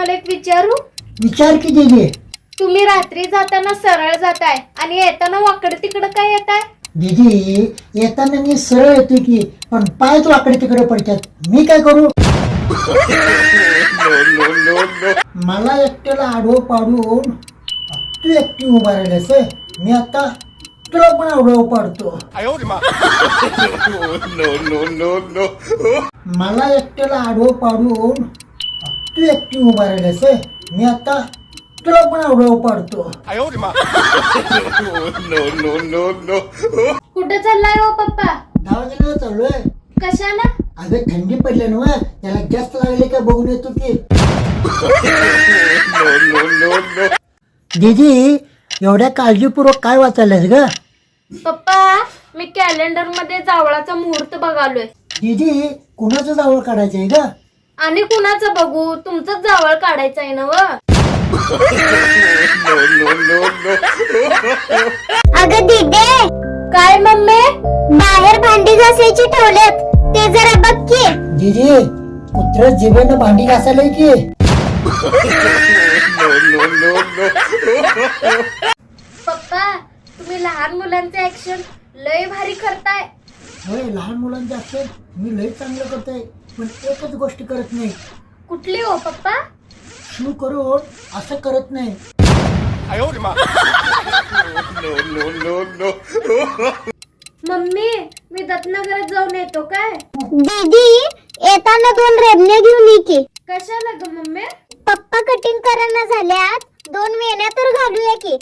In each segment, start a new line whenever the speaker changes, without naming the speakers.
तुम्हाला एक विचारू?
विचार की दीदी.
तुम्ही रात्री जाताना सरळ जाताय आणि येताना वाकड तिकडं काय येताय?
दीदी येताना मी सरळ येतो की, पण पायच वाकडे तिकडे पडतात. मी काय करू? मला एकट्याला आडवं पाडून तू एकटी उभा राहिलेस. मी आता तुला पण आडवं पाडतो. मला एकट्याला आडवं पाडून तू एकटी उभा राहिलेस. मी आता तुला पण आडवं पाडतो.
कुठं चाललाय हो पप्पा?
दवाखान्याला चाललोय.
कशाला?
अगं थंडी पडली ना, त्याला जास्त लागले का बघून येतो की. दीदी एवढ्या काळजीपूर्वक काय वाचायलास ग?
पप्पा मी कॅलेंडर मध्ये जावळाचा मुहूर्त बघालोय.
दीदी कुणाचं जावळ काढायचंय ग?
आणि कुणाचं बघू? तुमचंच जावळ काढायचंय ना व.
अगं दीदे,
काय मम्मी?
बाहेर भांडी घासायची ठेवलेत, ते जरा बघ की.
दीदी कुत्र जिभेनं भांडी घासायला की.
पप्पा तुम्ही लहान मुलांचे ऍक्शन लय भारी करताय.
होय लहान मुलांचे असेल मी लय चांगलं करतोय, पण एकच गोष्ट करत नाही.
कुठली हो पप्पा?
शू करून असं करत नाही.
मम्मी मी दत्तनगरात जाऊन येतो काय?
दीदी येताना 2 रेबण्या घेऊन ये की.
कशाला ग मम्मी?
पप्पा कटिंग करायला झाल्यात, 2 वेण्या तर घालूया की.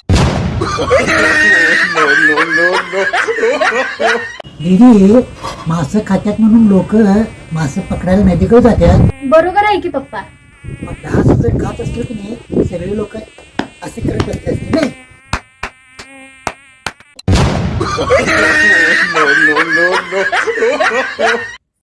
दीदी मासे खात्यात म्हणून लोक मासे पकडायला नदीकडे जातात.
बरोबर आहे की पप्पा.
मग 10 जर खात असलं की नाही सगळे लोक असे करत असतात नाही.